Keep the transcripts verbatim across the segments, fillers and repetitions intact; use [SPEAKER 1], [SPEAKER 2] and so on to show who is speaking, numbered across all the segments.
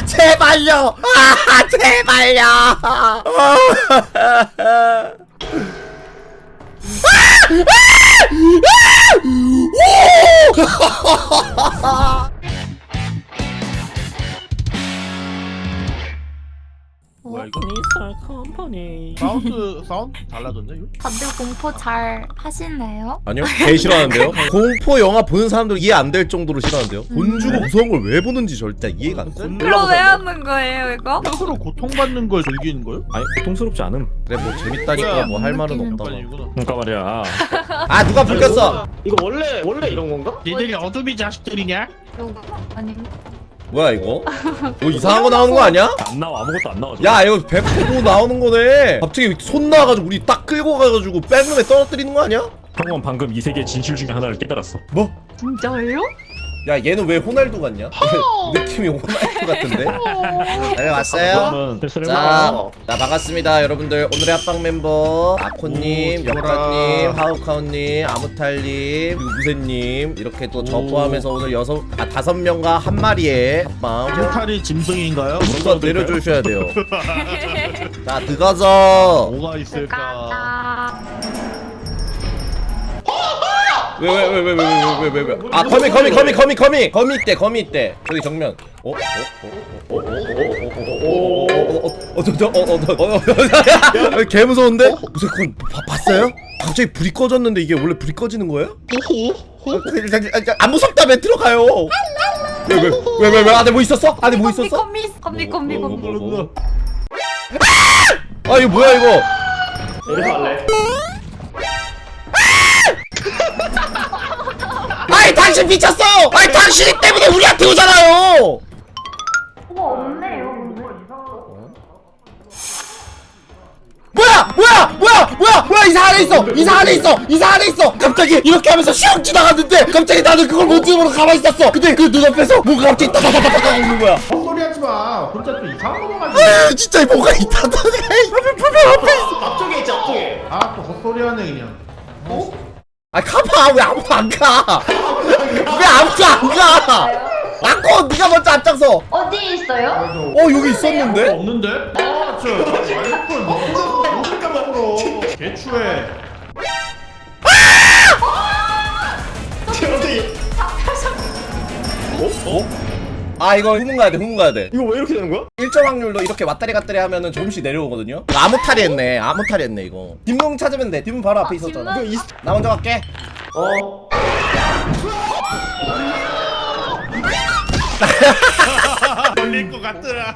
[SPEAKER 1] 제발요. 아 제발요.
[SPEAKER 2] 뭐야 이거?
[SPEAKER 3] 미스터 컴퍼니.
[SPEAKER 2] 사운드 사운드 달라졌네 이거?
[SPEAKER 4] 다들 공포 잘 하시나요?
[SPEAKER 1] 아니요, 개 싫어하는데요. 공포 영화 보는 사람들 이해 안 될 정도로 싫어하는데요. 돈 주고 무서운 걸 왜 보는지 절대 이해가 안 돼.
[SPEAKER 4] 그럼 왜 하는 거예요 이거?
[SPEAKER 2] 스스로 고통받는 걸 즐기는 거요?
[SPEAKER 3] 아니 고통스럽지 않음.
[SPEAKER 1] 그래 뭐 재밌다니까 뭐 할 말은 없다고.
[SPEAKER 3] 그러니까 말이야.
[SPEAKER 1] 아 누가 불 켰어?
[SPEAKER 5] 이거 원래 원래 이런 건가?
[SPEAKER 2] 니들이 어둠이 자식들이냐?
[SPEAKER 4] 아니
[SPEAKER 1] 뭐야 이거? 뭐 이상한 거 나오는 거 아니야?
[SPEAKER 3] 안 나와 아무것도 안 나와.
[SPEAKER 1] 야 이거 백 퍼센트 뭐 나오는 거네. 갑자기 손 나와가지고 우리 딱 끌고 가가지고 백룸에 떨어뜨리는 거 아니야?
[SPEAKER 3] 형은 방금 이 세계 진실 중에 하나를 깨달았어.
[SPEAKER 1] 뭐?
[SPEAKER 4] 진짜예요?
[SPEAKER 1] 야 얘는 왜 호날두 같냐? 느낌이 호날두 같은데? 네 왔어요?
[SPEAKER 3] 그러면 슬슬
[SPEAKER 1] 자,
[SPEAKER 3] 해봐.
[SPEAKER 1] 자 반갑습니다 여러분들. 오늘의 합방 멤버 아코님,
[SPEAKER 2] 오, 좋아라.
[SPEAKER 1] 역가님, 하우카우님, 아무탈님, 그리고 무쇠님 이렇게 또 저
[SPEAKER 2] 오.
[SPEAKER 1] 포함해서 오늘 여섯 아 다섯 명과 한 마리의 합방
[SPEAKER 2] 멘탈이 짐승인가요?
[SPEAKER 1] 먼저 내려주셔야 돼요. 자 들어가서.
[SPEAKER 2] 뭐가 있을까?
[SPEAKER 1] 왜 왜 왜 왜 왜 왜 왜 왜 아 거미 거미 거미 거미 거미 거미 있대 거미 있대. 저기 정면. 어? 어? 어? 어? 어? 어? 어? 개 무서운데? 무슨 건 봤어요? 갑자기 불이 꺼졌는데 이게 원래 불이 꺼지는 거예요? 안 무섭다며 들어가요. 왜 왜 왜 왜 왜 안에 뭐 있었어? 안에 뭐 있었어?
[SPEAKER 4] 컴미 컴미 컴미 컴미
[SPEAKER 1] 아 이거 뭐야 이거?
[SPEAKER 5] 이래서 할래.
[SPEAKER 1] 아이 당신 미쳤어! 아이 당신이 때문에 우리한테 오잖아요!
[SPEAKER 4] 어머 없네요
[SPEAKER 1] 뭐야! 뭐야! 뭐야! 뭐야! 뭐야! 이사 안에 있어! 이사 안에 있어! 이사 안에 있어! 갑자기 이렇게 하면서 슉 지나갔는데 갑자기 나는 그걸 못 들고 가만히 있었어! 근데 그 눈앞에서 뭔가 갑자기 따다다다다다 오는 거야.
[SPEAKER 2] 헛소리 하지 마. 혼자 또 이상한 거 가지고.
[SPEAKER 1] 아 진짜 뭐가 있다더니 앞에 불면 앞에 있어.
[SPEAKER 5] 앞쪽에 있지 앞쪽에.
[SPEAKER 2] 아 또 헛소리 하네 그냥. 어?
[SPEAKER 1] 아 가봐! 왜 아무도 안 가! 왜 아무도 안 가! 아꼬 네가 먼저 앞장서!
[SPEAKER 4] 어디 있어요?
[SPEAKER 1] 어 여기 있었는데?
[SPEAKER 2] 없는데? 아, 저 알콜 먹으러 먹을까 먹으러 개추해.
[SPEAKER 5] 어디?
[SPEAKER 1] 어? 아 이거 후문 가야 돼 후문 가야 돼.
[SPEAKER 5] 이거 왜 이렇게 되는 거야?
[SPEAKER 1] 일정 확률로 이렇게 왔다리 갔다리 하면은 조금씩 내려오거든요. 아무탈이 했네. 아무탈이 했네 이거. 뒷문 찾으면 돼. 뒷문 바로 앞에 있었잖아.
[SPEAKER 4] 뒷문?
[SPEAKER 5] 이거
[SPEAKER 1] 나 먼저 갈게.
[SPEAKER 5] 어.
[SPEAKER 2] 걸릴 것 같더라.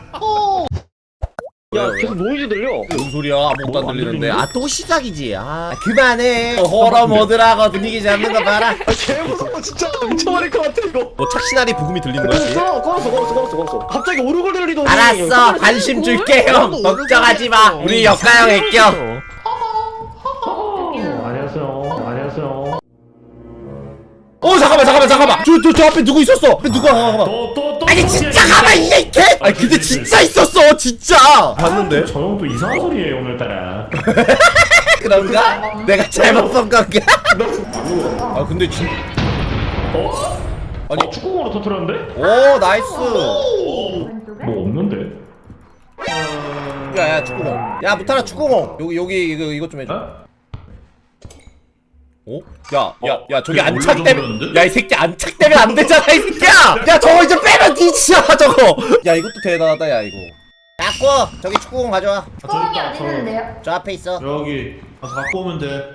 [SPEAKER 5] 야 계속 노이즈 들려.
[SPEAKER 1] 무슨 소리야? 아무것도 안
[SPEAKER 3] 뭐가 안
[SPEAKER 1] 들리는데.
[SPEAKER 3] 들리는데?
[SPEAKER 1] 아 또 시작이지. 아 그만해. 호러 모드라고 분위기 잡는 거 봐라.
[SPEAKER 5] 개 무서워 진짜 미쳐버릴 것 같아 이거.
[SPEAKER 1] 뭐 착신아리 부금이 들리는 거야? 지금?
[SPEAKER 5] 꺼 꺼놨어 꺼놨어 꺼놨어 꺼놨어. 갑자기 오르골들리더니.
[SPEAKER 1] 알았어. 관심 줄게 형. 걱정하지 마. 우리 역가형 애껴.
[SPEAKER 3] 안녕하세요. 안녕하세요.
[SPEAKER 1] 어 잠깐만 잠깐만 잠깐만. 저 저 저 앞에 누구 있었어? 앞에 누가 잠깐만.
[SPEAKER 3] 또또또
[SPEAKER 1] 아니 진짜 가만 이게 개. 아니 근데 진짜 있었어 진짜. 봤는데.
[SPEAKER 3] 저 형도 이상한 소리예요 오늘따라.
[SPEAKER 1] 그런가? 내가 잘못 본 건가? 아 근데 진.
[SPEAKER 3] 어?
[SPEAKER 1] 아니
[SPEAKER 3] 어, 축구공으로 터트렸는데?
[SPEAKER 1] 오 나이스.
[SPEAKER 3] 뭐 없는데?
[SPEAKER 1] 야야 축구공. 야 무타라 축구공. 여기 여기 이거 이것 좀 해줘.
[SPEAKER 3] 어?
[SPEAKER 1] 어? 야, 야, 야, 저기
[SPEAKER 2] 그게
[SPEAKER 1] 안착
[SPEAKER 2] 어느
[SPEAKER 1] 되면,
[SPEAKER 2] 정도였는데?
[SPEAKER 1] 야, 이 새끼 안착 되면 안 되잖아, 이 새끼야! 야, 저거 이제 빼면 뒤지잖아, 저거! 야, 이것도 대단하다, 야, 이거. 야꼬! 저기 축구공 가져와.
[SPEAKER 4] 꽁이 어디 있는데요?
[SPEAKER 1] 저 앞에 있어.
[SPEAKER 2] 여기 가서 갖고 오면 돼.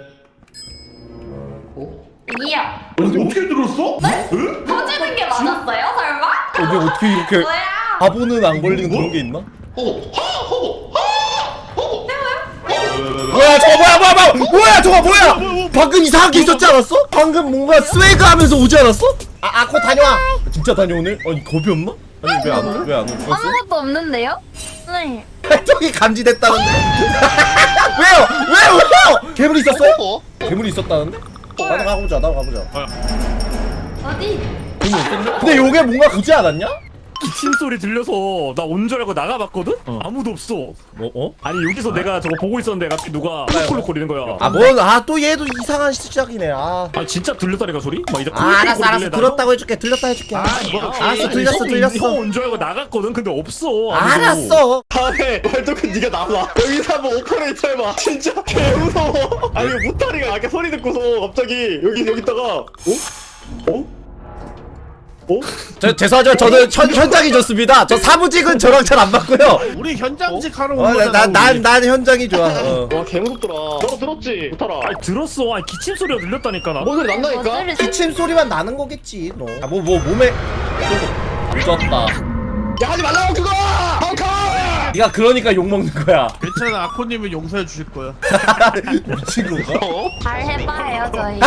[SPEAKER 4] 이야
[SPEAKER 2] 근데 어떻게 들었어? 응?
[SPEAKER 4] 터지는 게 맞았어요 설마?
[SPEAKER 1] 근데 어떻게 이렇게
[SPEAKER 4] 뭐야?
[SPEAKER 1] 바보는 안 걸리는 그런 게 있나?
[SPEAKER 2] 호호 호호 호호.
[SPEAKER 1] 뭐야, 저거 뭐야, 뭐야, 뭐야! 뭐야, 저거 뭐야! 방금 이상한 게 있었지 않았어? 방금 뭔가 스웨그 하면서 오지 않았어? 아, 아코 다녀와! 진짜 다녀오네? 아니, 겁이 없나? 아니, 왜 안, 왜 안 오셨어?
[SPEAKER 4] 아무것도 없는데요? 네
[SPEAKER 1] 저기 감지됐다는데? 왜요? 왜요? 왜요? 괴물이 있었어요? 괴물이 있었다는데? 나도 가보자, 나도 가보자.
[SPEAKER 4] 어디?
[SPEAKER 1] 괴물 있었는데? 근데 요게 뭔가 그지 않았냐?
[SPEAKER 3] 기침 소리 들려서 나 온 줄 알고 나가봤거든? 아무도 없어.
[SPEAKER 1] 뭐 어?
[SPEAKER 3] 아니 여기서 내가 저거 보고 있었는데 갑자기 누가 콜콜 거리는 거야.
[SPEAKER 1] 아 뭔 아 또 얘도 이상한 시작이네. 아.
[SPEAKER 3] 아 진짜 들렸다니까 소리? 막 이제
[SPEAKER 1] 아 알았어 알았어 들었다고 해줄게 들렸다 해줄게.
[SPEAKER 3] 뭐,
[SPEAKER 1] 알았어 들렸어 들렸어.
[SPEAKER 3] 형온 줄 알고 나갔거든. 근데 없어. 아무도.
[SPEAKER 1] 알았어.
[SPEAKER 5] 다음에 왈도쿤 네가 나와. 여기서 한번 오퍼레이터 해봐. 진짜 개 무서워. 아니 무타리가 아까 소리 듣고서 갑자기 여기 여기다가 어? 어? 어?
[SPEAKER 1] 저 죄송하지만 저는 현, 현장이 좋습니다. 저 사무직은 저랑 잘 안 맞고요.
[SPEAKER 2] 우리 현장직 하러 온
[SPEAKER 1] 어,
[SPEAKER 2] 거잖아.
[SPEAKER 1] 난, 난,
[SPEAKER 2] 우리.
[SPEAKER 1] 난 현장이 좋아. 어.
[SPEAKER 5] 와 개무섭더라. 너도 들었지? 무타라.
[SPEAKER 3] 아니 들었어. 아니 기침 소리가 들렸다니까 나.
[SPEAKER 5] 뭔 소리 난다니까?
[SPEAKER 4] 어쩌를
[SPEAKER 1] 기침 소리만 나는 거겠지. 너. 아, 뭐, 뭐, 몸에. 늦었다.
[SPEAKER 5] 야 하지 말라고 그거! 펑커!
[SPEAKER 1] 네가 그러니까 욕 먹는 거야.
[SPEAKER 2] 괜찮아, 아코님은 용서해 주실 거야.
[SPEAKER 1] 미친 건가?
[SPEAKER 5] 어?
[SPEAKER 4] 잘 해봐요 저희.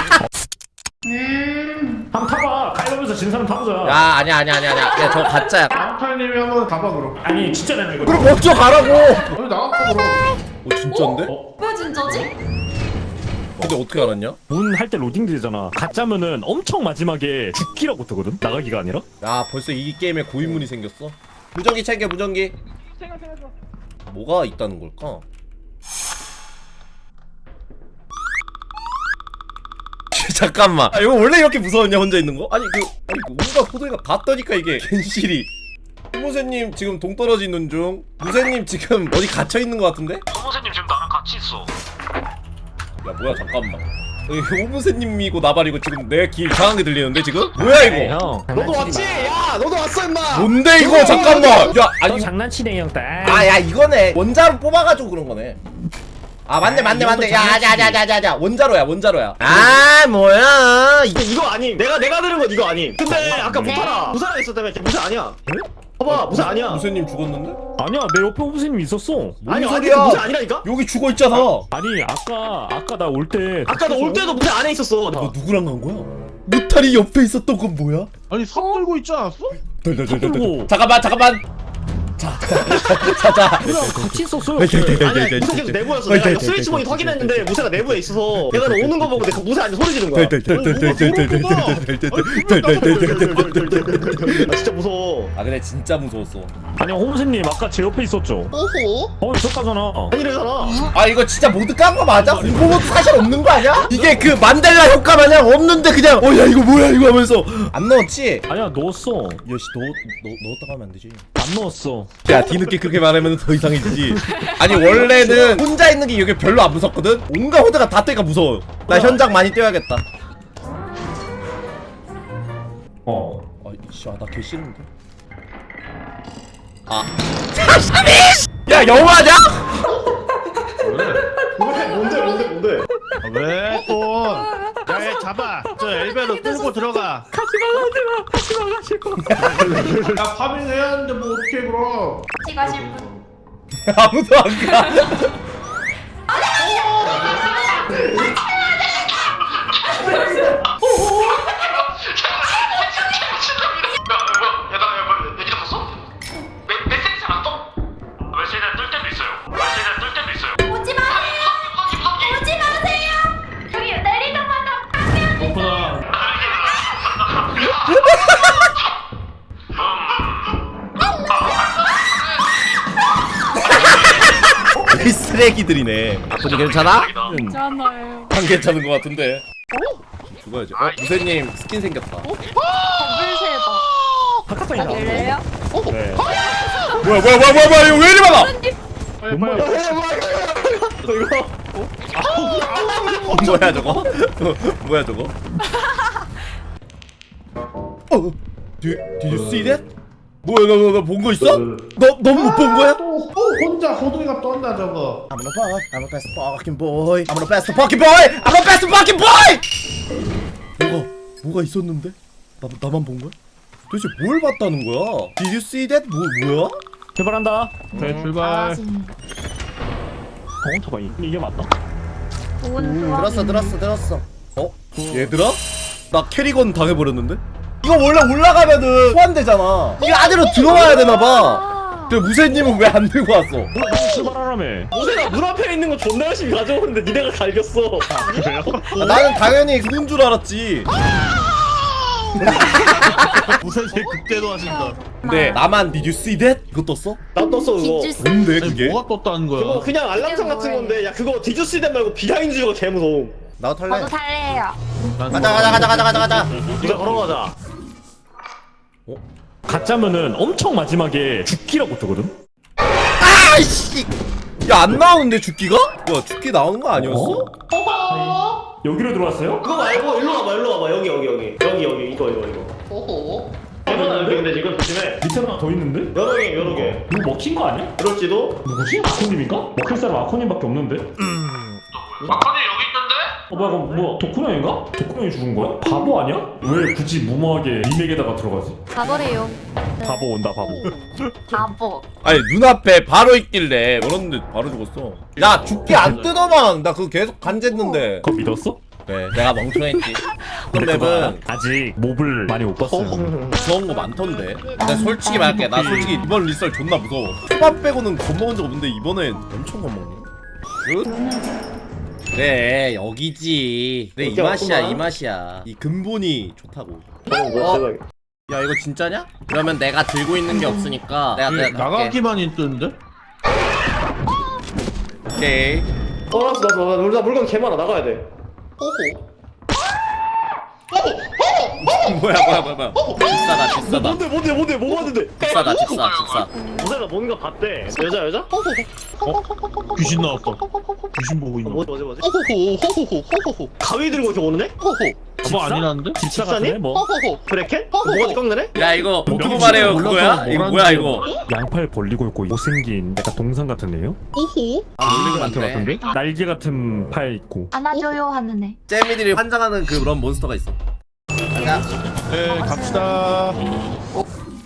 [SPEAKER 4] 음.
[SPEAKER 3] 한번 타봐. 가위바위보에서 진 사람 타보자.
[SPEAKER 1] 야, 아니야, 아니야, 아니야, 아니야. 야, 저 가짜야.
[SPEAKER 2] 아카님이 한번 가봐 그럼.
[SPEAKER 3] 아니 진짜 내가 이거.
[SPEAKER 1] 그럼 먼저 가라고.
[SPEAKER 2] 아니 나갔다 그럼.
[SPEAKER 1] 어, 진짠데?
[SPEAKER 3] 어?
[SPEAKER 4] 왜 진짜지?
[SPEAKER 1] 근데 어떻게 알았냐?
[SPEAKER 3] 문 할 때 로딩 되잖아. 가짜면은 엄청 마지막에 죽기라고 뜨거든. 나가기가 아니라.
[SPEAKER 1] 야, 벌써 이 게임에 고인물이 생겼어. 무전기 챙겨, 무전기. 뭐가 있다는 걸까? 잠깐만. 아, 이거 원래 이렇게 무서웠냐 혼자 있는 거? 아니 그 아니 그 온갖 호동이가 다 떠니까 이게 겐실이. 무세님 지금 동떨어지는 중. 무세님 지금 어디 갇혀 있는 거 같은데?
[SPEAKER 3] 선생님 지금 나랑 같이 있어.
[SPEAKER 1] 야 뭐야 잠깐만. 오무세님이고 나발이고 지금 내 귀 이상하게 들리는데 지금? 뭐야 이거?
[SPEAKER 3] 형.
[SPEAKER 5] 너도 왔지? 야 너도 왔어 임마!
[SPEAKER 1] 뭔데 이거 잠깐만. 야
[SPEAKER 3] 너
[SPEAKER 1] 아니
[SPEAKER 3] 장난치네 형 딸.
[SPEAKER 1] 아야 이거네. 원자로 뽑아가지고 그런 거네. 아 맞네 맞네 맞네. 야야야야야야 원자로야 원자로야. 아 뭐야 이게
[SPEAKER 5] 이거 아니. 내가 내가 들은 건 이거 아니. 근데 아까 무타라 무사라 있었다며. 걔 무사 아니야. 봐봐 무사 아니야.
[SPEAKER 1] 무세님 죽었는데?
[SPEAKER 3] 아니야 내 옆에 오부스님 있었어.
[SPEAKER 1] 뭔
[SPEAKER 5] 아니 아니
[SPEAKER 1] 소리야?
[SPEAKER 5] 무사 아니라니까?
[SPEAKER 1] 여기 죽어 있잖아.
[SPEAKER 3] 아니 아까 아까 나 올 때.
[SPEAKER 5] 아까 너 올 때도 무사 안에 있었어.
[SPEAKER 1] 너 누구랑 간 거야? 무탈이 옆에 있었던 건 뭐야?
[SPEAKER 2] 아니 삽 들고 있지 않았어?
[SPEAKER 3] 들고.
[SPEAKER 1] 잠깐만 잠깐만. 자, 자, 자.
[SPEAKER 3] 같이 있었어요.
[SPEAKER 5] 아니야 무사 계속 내부였어. 내가 이거 스위치 모니터 확인했는데 무사가 내부에 있어서 내가 너 오는 거 보고 내가 무사 안에 소리 지른 거야. 아 진짜 무서워.
[SPEAKER 1] 아 근데 진짜 무서웠어.
[SPEAKER 3] 아니 홍수님 아까 제 옆에 있었죠.
[SPEAKER 5] 오호?
[SPEAKER 3] 어 있었다잖아.
[SPEAKER 5] 아니래잖아.
[SPEAKER 1] 아 이거 진짜 모드 깐 거 맞아? 공포모드 사실 없는 거 아니야? 이게 그 만델라 효과 마냥 없는데 그냥 어 야 이거 뭐야 이거 하면서 안 넣었지?
[SPEAKER 3] 아니야 넣었어.
[SPEAKER 1] 여시 넣, 넣, 넣었다가 하면 안 되지.
[SPEAKER 3] 안 넣었어.
[SPEAKER 1] 야 뒤늦게 그렇게 말하면 더 이상해지지. 아니 원래는 혼자 있는 게 이게 별로 안 무섭거든? 온갖 호드가 다 뜨니까 무서워. 나 현장 많이 뛰어야겠다.
[SPEAKER 3] 어.
[SPEAKER 1] 아 이씨 아 나 개 싫은데. 아 야 영화냐?
[SPEAKER 5] 왜? 뭔데 뭔데 뭔데?
[SPEAKER 2] 아, 왜 또? 야얘 잡아. 저 엘베로 끌고 들어가.
[SPEAKER 3] 가지마 가지마 가지마.
[SPEAKER 2] 야 파밍 해야 하는데 뭐 어떻게 그럼?
[SPEAKER 4] 같이 가실 분.
[SPEAKER 1] 아무도 안 가.
[SPEAKER 4] 오지 마세요. 오지 마세요. 여기 내리자마자
[SPEAKER 3] 그렇구나.
[SPEAKER 1] 이 쓰레기들이네. 아버지 괜찮아?
[SPEAKER 4] 괜찮아요.
[SPEAKER 1] 안 괜찮은 것 같은데. 죽어야지. 어 무세님 스킨 생겼다.
[SPEAKER 4] 버블새다.
[SPEAKER 3] 바깥방이다.
[SPEAKER 4] 열려요?
[SPEAKER 3] 네.
[SPEAKER 1] 뭐야 뭐야 뭐야 뭐야 뭐야 이거 왜 이리 많아?
[SPEAKER 2] 빨리
[SPEAKER 3] 뭔
[SPEAKER 2] 빨리.
[SPEAKER 3] 말이야?
[SPEAKER 5] 너 이거?
[SPEAKER 1] 뭐야 저거? 뭐야 저거? 어? Did, did you see that? 뭐야 너 너 너 본 거 있어? 너 너 못 본 거야?
[SPEAKER 2] 또, 또 혼자 호동이가 떤다 저거.
[SPEAKER 1] I'm the boy, I'm the best fucking boy, I'm the best fucking boy, I'm the best fucking boy. 뭐가 뭐가 있었는데? 나 나만 본 거야? 도대체 뭘 봤다는 거야? Did you see that? 뭐 뭐야?
[SPEAKER 3] 출발한다.
[SPEAKER 2] 네 출발.
[SPEAKER 3] 어 잠깐 이게 맞다.
[SPEAKER 4] 좋은
[SPEAKER 1] 음,
[SPEAKER 4] 조합.
[SPEAKER 1] 들었어 들었어 들었어. 어? 얘들아? 나 캐리건 당해버렸는데? 이거 원래 올라가면은 소환되잖아. 이 안으로 들어와야 되나봐. 근데 무세님은 왜 안 들고 왔어?
[SPEAKER 3] 출발하라며.
[SPEAKER 5] 무쇠가 문 앞에 있는 거 존나 열심히 가져오는데 니네가 갈겼어.
[SPEAKER 3] 그래요?
[SPEAKER 1] 아, 나는 당연히 그건 줄 알았지.
[SPEAKER 2] 무쇠세 극대도 하신다.
[SPEAKER 1] 근데 나만 Did you see that? 이거 떴어?
[SPEAKER 5] 나 떴어 그거.
[SPEAKER 4] 디주스.
[SPEAKER 1] 뭔데
[SPEAKER 2] 아니
[SPEAKER 1] 그게?
[SPEAKER 2] 뭐가 떴다는 거야?
[SPEAKER 5] 그거 그냥 알람창 같은 건데 야 그거 디주스된 말고 비하인드가 개 무서워.
[SPEAKER 1] 나도 탈래.
[SPEAKER 4] 저도 탈래요.
[SPEAKER 2] 난
[SPEAKER 1] 가자 가자 가자 가자 가자 가자.
[SPEAKER 5] 이제 걸어가자.
[SPEAKER 3] 가짜면은 엄청 마지막에 죽기라고 뜨거든.
[SPEAKER 1] 아이씨. 야 안 나오는데 죽기가? 야 죽기 나오는 거 아니었어?
[SPEAKER 3] 여기로 들어왔어요?
[SPEAKER 5] 그거 말고 일로 와봐 일로 와봐 여기 여기 여기 여기 여기 이거 이거 이거. 오호. 대박 여기 근데 지금 조심해.
[SPEAKER 3] 밑에 하나 더 있는데?
[SPEAKER 5] 여러 개 여러 개.
[SPEAKER 3] 누구 먹힌 거 아니야?
[SPEAKER 5] 그럴지도.
[SPEAKER 3] 누구지? 아코님인가? 먹힐 사람 아코님밖에 없는데?
[SPEAKER 6] 마커님 여기 있는데?
[SPEAKER 3] 어 뭐야 그럼 뭐 덕후형인가? 덕후형이 죽은 거야? 바보 아니야? 왜 굳이 무모하게 리맥에다가 들어가지?
[SPEAKER 4] 바보래요. 네.
[SPEAKER 3] 바보 온다 바보.
[SPEAKER 4] 바보.
[SPEAKER 1] 아니 눈앞에 바로 있길래 그런데 바로 죽었어. 야 죽기 안 뜨더만. 나 그거 계속 간jes는데.
[SPEAKER 3] 그거 믿었어?
[SPEAKER 1] 네 내가 멍청했지. 그런
[SPEAKER 3] 근데 그거 알아?
[SPEAKER 1] 맵은
[SPEAKER 3] 아직 몹을 많이 못 봤어요.
[SPEAKER 1] 무서운 거 많던데. 근데 솔직히 말할게 나 솔직히 이번 리썰 존나 무서워. 초반 빼고는 겁먹은 적 없는데 이번엔 엄청 겁먹네. 굿. 그래 여기지. 그래 이
[SPEAKER 5] 오케이,
[SPEAKER 1] 맛이야
[SPEAKER 5] 왔구만.
[SPEAKER 1] 이 맛이야. 이 근본이 좋다고.
[SPEAKER 5] 어, 뭐야,
[SPEAKER 1] 어?
[SPEAKER 5] 대박이야.
[SPEAKER 1] 야 이거 진짜냐? 그러면 내가 들고 있는 게 없으니까 내가
[SPEAKER 2] 왜
[SPEAKER 1] 내가 갈게.
[SPEAKER 2] 나가기만 뜨는데?
[SPEAKER 1] 오케이.
[SPEAKER 5] 어, 알았어, 알았어, 알았어. 우리 나 물건 개 많아. 나가야 돼. 호호.
[SPEAKER 1] 뭐야 뭐야 뭐야 뭐야. 비싸다 비싸다
[SPEAKER 5] 뭔데, 뭔데, 뭔데, 뭐 봤는데?
[SPEAKER 1] 비싸다 비싸 비싸.
[SPEAKER 5] 무쇠가 뭔가 봤대. 여자, 여자?
[SPEAKER 2] 어? 귀신 나왔다. 귀신 보고
[SPEAKER 5] 어,
[SPEAKER 2] 있는 거.
[SPEAKER 5] 뭐지, 뭐지, 뭐지? 가위 들고 이렇게 오는 애?
[SPEAKER 2] 뭐 아니라는데?
[SPEAKER 3] 집사
[SPEAKER 5] 집사님?
[SPEAKER 3] 같네 뭐.
[SPEAKER 5] 브레켓? 뭐가 꺾는 애?
[SPEAKER 1] 야 이거 보고
[SPEAKER 2] 명칭이
[SPEAKER 1] 말해요
[SPEAKER 2] 몰라서
[SPEAKER 1] 그거야? 이거
[SPEAKER 2] 뭐라는지
[SPEAKER 1] 뭐야 이거?
[SPEAKER 3] 양팔 벌리고 있고 못생긴 약간 동상 같은 애요?
[SPEAKER 1] 아 놀리고
[SPEAKER 3] 같은
[SPEAKER 1] 맞네.
[SPEAKER 3] 같은데? 날개 같은 팔 있고.
[SPEAKER 4] 안아줘요 하는 애.
[SPEAKER 1] 잼미들이 환장하는 그런 몬스터가 있어. 가자.
[SPEAKER 2] 네 갑시다. 어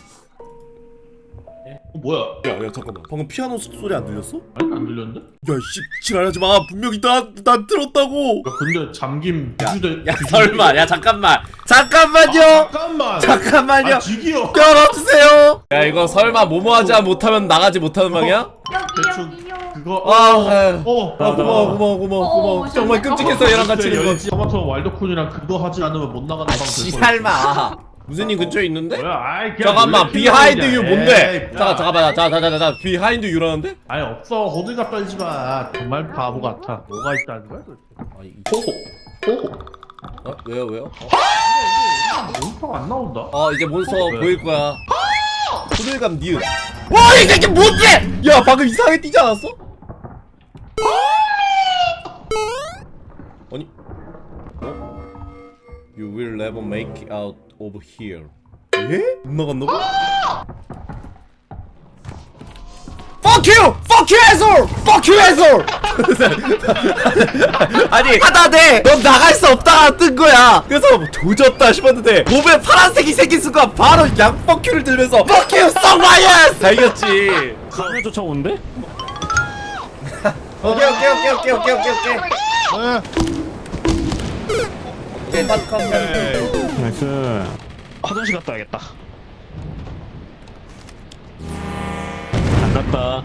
[SPEAKER 2] 뭐야?
[SPEAKER 1] 야야 잠깐만. 방금 피아노 소리 안 들렸어?
[SPEAKER 2] 아니 안 들렸는데?
[SPEAKER 1] 야씨 지랄하지 마. 분명히 나난 들었다고.
[SPEAKER 2] 야 근데 잠김 비주대.
[SPEAKER 1] 야 설마. 야 잠깐만. 잠깐만요.
[SPEAKER 2] 잠깐만.
[SPEAKER 1] 잠깐만요.
[SPEAKER 2] 아 지기요.
[SPEAKER 1] 열어주세요. 야 이거 설마 모모하지 못하면 나가지 못하는 방이야?
[SPEAKER 2] 대충
[SPEAKER 4] 여기요.
[SPEAKER 2] 그거.
[SPEAKER 1] 아, 아유.
[SPEAKER 2] 어.
[SPEAKER 1] 아 고마워 고마워 고마워 고마워.
[SPEAKER 4] 어,
[SPEAKER 1] 정말 끔찍했어 얘랑 같이 있는 거.
[SPEAKER 2] 토마토 와일드콘이랑 그거 하지 않으면 못 나가는
[SPEAKER 1] 아
[SPEAKER 2] 방.
[SPEAKER 1] 씨발마. 무슨님 근처에 있는데?
[SPEAKER 2] 뭐야? 아이 그냥
[SPEAKER 1] 잠깐만
[SPEAKER 2] 놀래키는
[SPEAKER 1] 비하인드
[SPEAKER 2] 거냐.
[SPEAKER 1] 유 뭔데?
[SPEAKER 2] 에이,
[SPEAKER 1] 잠깐
[SPEAKER 2] 야.
[SPEAKER 1] 잠깐만 자자자자 비하인드 유라는데?
[SPEAKER 2] 아니 없어 호들갑 떨지 마. 정말 바보 같아. 뭐가 있다는 거야? 도대체?
[SPEAKER 1] 아 이-
[SPEAKER 5] 호호. 호호.
[SPEAKER 1] 어 왜요 왜요?
[SPEAKER 2] 몬스터가 안 나온다.
[SPEAKER 1] 어 이제 몬스터
[SPEAKER 2] 왜?
[SPEAKER 1] 보일 거야. 호들갑 니은. 와이 새끼 뭔데? 야 방금 이상하게 뛰지 않았어? 아니 어? You will never make it out of here. 예? 못 나갔나봐? Fuck you! Fuck you asshole! Fuck you asshole! 아니 하다대 넌 나갈 수 없다 뜬 거야. 그래서 조졌다 싶었는데 몸에 파란색이 생긴 순간 바로 양 Fuck you를 들면서 Fuck you so my ass! 다 이겼지.
[SPEAKER 3] 카메 쫓아오는데?
[SPEAKER 1] 오케이 오케이 오케이 오케이 오케이 오케이 오케이
[SPEAKER 2] 에.
[SPEAKER 1] 오케이 컷컷
[SPEAKER 3] 나이스. 화장실 갔다 와야겠다. 안 갔다.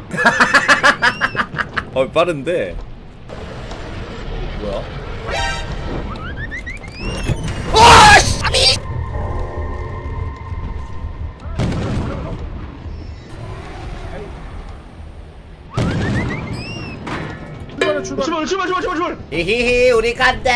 [SPEAKER 1] 어 빠른데 뭐야?
[SPEAKER 5] 출발, 출발, 출발, 출발, 출발.
[SPEAKER 1] 히히히 우리 간다.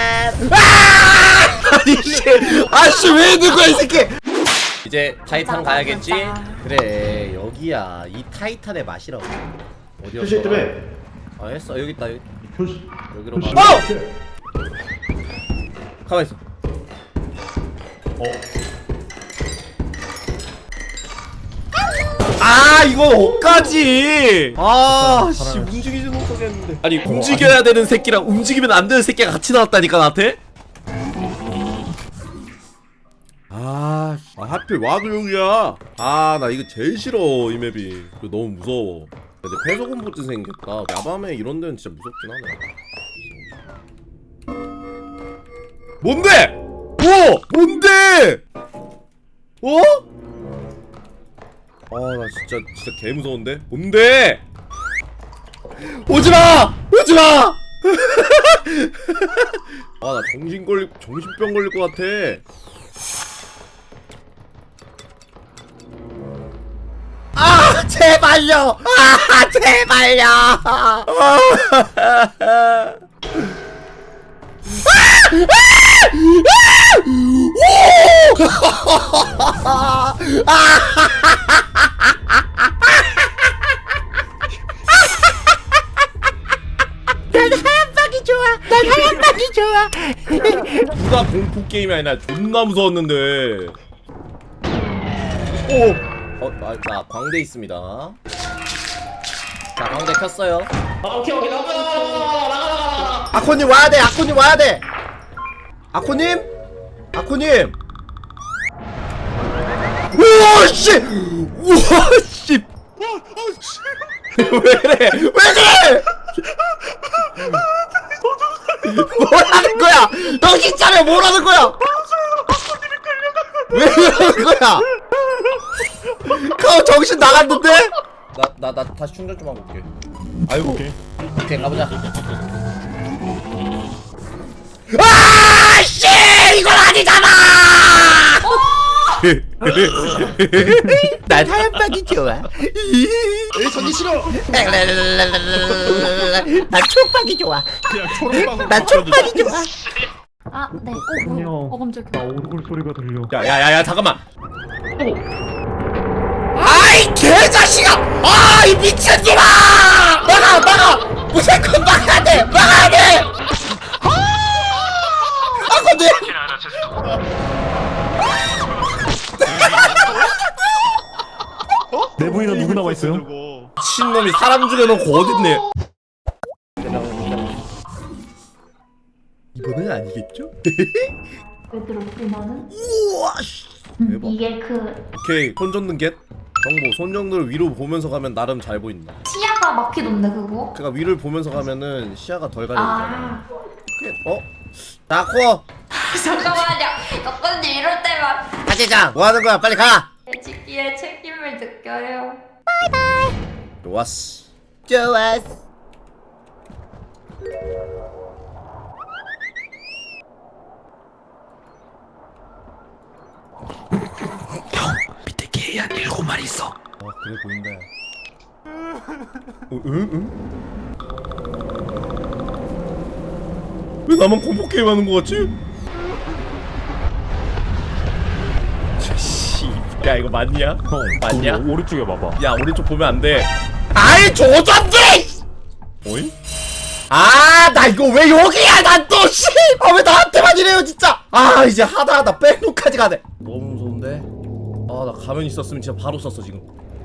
[SPEAKER 1] 아! 아니 씨, 아씨 왜 있는 거야 이 새끼? 이제 타이탄 가야겠지? 그래 여기야 이 타이탄의 맛이라고. 어디였어?
[SPEAKER 5] 표시 때문에.
[SPEAKER 1] 아 했어 여기 있다 여기.
[SPEAKER 2] 표시.
[SPEAKER 1] 여기로
[SPEAKER 2] 표시.
[SPEAKER 1] 가. 어! 가만 있어.
[SPEAKER 2] 어.
[SPEAKER 1] 아 이건 어까지. 아씨 움직이지 못하겠는데. 아니 움직여야 되는 새끼랑 움직이면 안 되는 새끼가 같이 나왔다니까 나한테. 아, 아 하필 와도 여기야. 아 나 이거 제일 싫어 이 맵이. 이거 너무 무서워. 근데 폐소공포증 생겼다. 야밤에 이런 데는 진짜 무섭긴 하네. 뭔데? 오! 뭔데? 어? 아 나 진짜 진짜 개 무서운데? 뭔데? 오지마! 오지마! 아 나 정신 걸리 정신병 걸릴 것 같아. 아 제발요. 아 제발요. 난 하얀 박이 좋아. 난 하얀 박이 좋아. 누가 공포 게임이 아니라 존나 무서웠는데. 오. 어, 나, 나 광대 있습니다. 자, 광대 켰어요.
[SPEAKER 5] 아 오케이 오케이 나가 나가 나가 나가 나가.
[SPEAKER 1] 아코님 와야 돼. 아코님 와야 돼. 아코님? 아코님. 우와 씨. 우와 씨. 왜 그래? 왜 그래? 뭐라는 거야? 정신 차려. 뭐라는 거야? 왜 그러는 거야? 그 정신 나갔는데? 나 나 나 다시 충전 좀 하고 올게. 아이고.
[SPEAKER 3] 오케이.
[SPEAKER 1] 오케이 가보자. 아 씨! 이건 아니잖아! 난 하얀 박이 좋아.
[SPEAKER 2] 에이 전기 싫어.
[SPEAKER 1] 난 초박이 좋아.
[SPEAKER 2] 그냥 초록방울.
[SPEAKER 1] 난 초박이 좋아.
[SPEAKER 4] 아, 네. 어,
[SPEAKER 3] 아니요.
[SPEAKER 4] 어, 어 깜짝이야.
[SPEAKER 3] 나 오르골 소리가 들려.
[SPEAKER 1] 야야야야 잠깐만. 아이 개자식아! 아이 미친놈아! 막아 막아! 무조건 막아야 돼! 막아야 돼! 아 근데
[SPEAKER 6] 알아, 죄송.
[SPEAKER 3] 내부인은 누구 남아 있어요?
[SPEAKER 1] 미친놈이 사람 죽여놓고 어딨네. 이번엔 아니겠죠?
[SPEAKER 4] 얘들아, 우리나는
[SPEAKER 1] 우와 씨. 대박.
[SPEAKER 4] 이게 그
[SPEAKER 1] 오케이 손 젓는 겟 정보 손 정도를 위로 보면서 가면 나름 잘 보인다.
[SPEAKER 4] 시야가 막히던데 그거?
[SPEAKER 1] 그러니까 위를 보면서 가면은 시야가 덜 가려지잖아.
[SPEAKER 4] 아,
[SPEAKER 1] 어? 나코
[SPEAKER 4] 잠깐만요. 덕분님 이럴 때만
[SPEAKER 1] 하재장 뭐 하는 거야? 빨리 가.
[SPEAKER 4] 지키의 책임을 느껴요.
[SPEAKER 1] 좋았어. 좋았어.
[SPEAKER 7] 밑에 개 한 일곱 마리 있어.
[SPEAKER 1] 아 그래 보인다. 어, 응? 응? 왜 나만 공포 게임 하는 거 같지? 씨, 야 이거 맞냐?
[SPEAKER 3] 형,
[SPEAKER 1] 맞냐?
[SPEAKER 3] 그 오른쪽에 봐봐.
[SPEAKER 1] 야 오른쪽 보면 안 돼. 아이 조졌지! 어이? 아, 나 이거 왜 여기야? 난 또 씨! 아 왜 나한테만 이래요 진짜? 아 이제 하다 하다 백로까지 가네. 너무 무서운데? 아 나 가면 있었으면 진짜 바로 썼어 지금.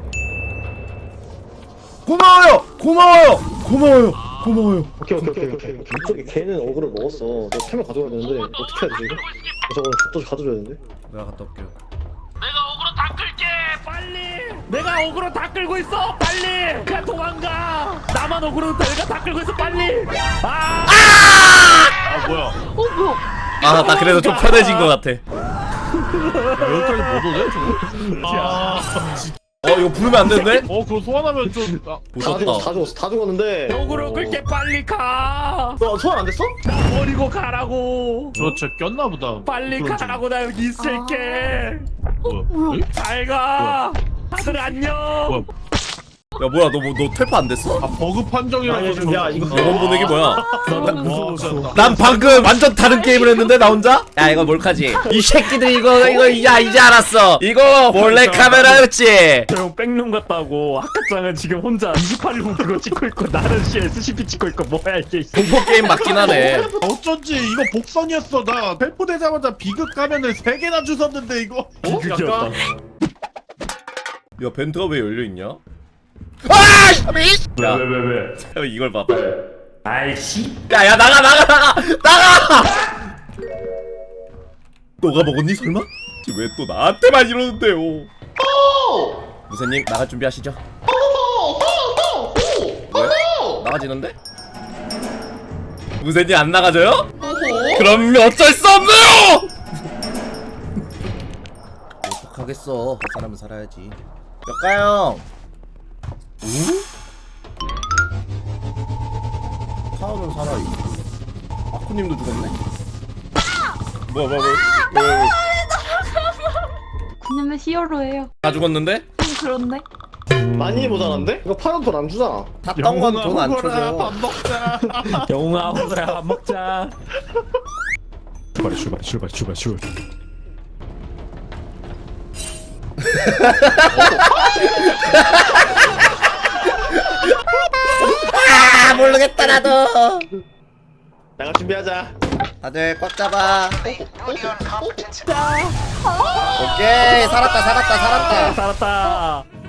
[SPEAKER 1] 고마워요, 고마워요, 고마워요, 고마워요.
[SPEAKER 5] 오케이 오케이 오케이 오케이. 이쪽에 걔는 어그로 넣었어. 너 캠을 가져가야 되는데 어떻게 해야 되지 이거? 저거 또 가져줘야 되는데.
[SPEAKER 1] 내가 갔다 올게요.
[SPEAKER 6] 내가 어그로 다 끌게. 빨리.
[SPEAKER 3] 내가 어그로 다 끌고 있어. 빨리. 그냥 도망가. 나만 어그로 내가 다 끌고 있어. 빨리. 아!
[SPEAKER 2] 아 뭐야?
[SPEAKER 1] 아 나 그래도 좀 편해진 것 같아.
[SPEAKER 2] 여기까지 못 오네 저거? 아,
[SPEAKER 1] 어 이거 부르면 안 되는데?
[SPEAKER 2] 어 그거 소환하면 좀. 아,
[SPEAKER 5] 다
[SPEAKER 1] 무섭다.
[SPEAKER 5] 죽었어 다 죽었어 다 죽었는데.
[SPEAKER 3] 어그로 끌게 빨리 가.
[SPEAKER 5] 너 소환 안 됐어?
[SPEAKER 3] 나 버리고 가라고.
[SPEAKER 2] 저쟤 꼈나 보다.
[SPEAKER 3] 빨리
[SPEAKER 2] 그런
[SPEAKER 3] 가라고 나 여기 있을게.
[SPEAKER 2] 중. 뭐야? 에이?
[SPEAKER 3] 잘 가. 다들 안녕.
[SPEAKER 2] 뭐야?
[SPEAKER 1] 야 뭐야 너 뭐 너 텔파 안 됐어?
[SPEAKER 2] 아 버그 판정이라고.
[SPEAKER 5] 아니, 좀- 야, 이거-
[SPEAKER 1] 영원 보내기 뭐야?
[SPEAKER 3] 나는
[SPEAKER 2] 와,
[SPEAKER 3] 무서웠어.
[SPEAKER 2] 진짜.
[SPEAKER 1] 난 방금 완전 다른 게임을 했는데 나 혼자? 야 이거 몰카지? 이 새끼들 이거 이거 야 이제 알았어. 이거 몰래 카메라였지?
[SPEAKER 3] 형 백룸 같다고. 학과장은 지금 혼자 이십팔 일 그거 찍고 있고 나는 씨 에스씨피 찍고 있고 뭐야 이게.
[SPEAKER 1] 공포 게임 맞긴 하네.
[SPEAKER 2] 어쩐지 이거 복선이었어. 나 배포되자마자 비극 가면을 세 개나 주웠는데 이거.
[SPEAKER 3] 비극이었다.
[SPEAKER 1] 야 벤트가 왜 열려 있냐? 아! 씨! 야
[SPEAKER 3] 왜 왜 왜?
[SPEAKER 1] 이걸 봐봐.
[SPEAKER 3] 아이씨.
[SPEAKER 1] 야야 나가 나가 나가 나가! 너가 먹었니 설마? 왜 또 나한테만 이러는데요? 무사님 나갈 준비하시죠. 왜? 나가지는데? 무사님 안 나가져요? 그럼 어쩔 수 없네요! 어떡하겠어. 그 사람은 살아야지. 몇가요? 오? 타오는 살아있고 아쿠님도 죽었네? 뭐야 뭐야 뭐야 왜, 왜, 왜.
[SPEAKER 4] 그녀는 히어로예요.
[SPEAKER 1] 다 죽었는데?
[SPEAKER 4] 좀 그런데?
[SPEAKER 5] 많이 모자란데? 이거 팔아도 돈 안 주잖아.
[SPEAKER 1] 탔던 건 돈 안
[SPEAKER 2] 영웅아,
[SPEAKER 1] 쳐줘.
[SPEAKER 2] 밥 먹자.
[SPEAKER 3] 영웅아 호서야 밥 먹자.
[SPEAKER 2] 출발 출발 출발 출발 출발.
[SPEAKER 1] 아 모르겠다 나도.
[SPEAKER 5] 나가 준비하자.
[SPEAKER 1] 다들 꽉 잡아. 오케이 살았다 살았다 살았다.
[SPEAKER 3] 살았다.